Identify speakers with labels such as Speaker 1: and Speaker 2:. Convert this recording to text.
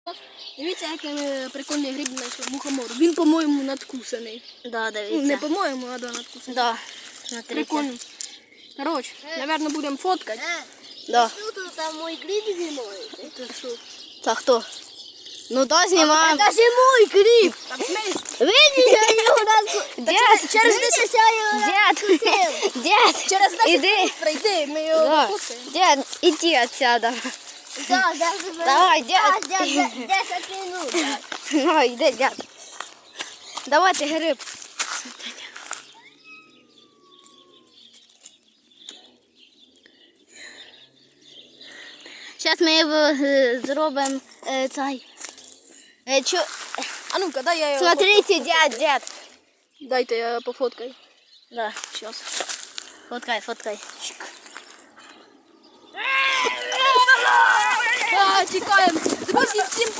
Speaker 1: Дивіться, який прикольний гриб знайшов. Мухомор. Він, по-моєму, надкусаний.
Speaker 2: Да, дивіться.
Speaker 1: Ну, не по-моєму, а да, надкусаний.
Speaker 2: Да. Смотрите.
Speaker 1: Прикольно. Короче, наверное, будемо фоткати.
Speaker 2: Да.
Speaker 3: Что там мой гриб зимой?
Speaker 1: Це що?
Speaker 2: Та хто? Ну да, знімаємо.
Speaker 3: Это же мой гриб!
Speaker 1: Так, смесь.
Speaker 3: Видишь, я его раз...
Speaker 2: Дед,
Speaker 3: Через 10 я его
Speaker 2: дед, дед,
Speaker 1: Через 10
Speaker 2: іди.
Speaker 1: хвилин прийди, ми його
Speaker 2: Да.
Speaker 1: пофоткаємо.
Speaker 2: Дед, иди отсюда.
Speaker 3: Да, даже...
Speaker 2: Давай, дед.
Speaker 3: 10 минут. да.
Speaker 2: Ну, йди, дед. Давайте гриб. Зараз ми його зробимо цей.
Speaker 1: А ну-ка, дай я його
Speaker 2: Смотрите, дед.
Speaker 1: Дайте я пофоткаю.
Speaker 2: Да, сейчас. Фоткай.
Speaker 1: Тікаємо. Друзі, всім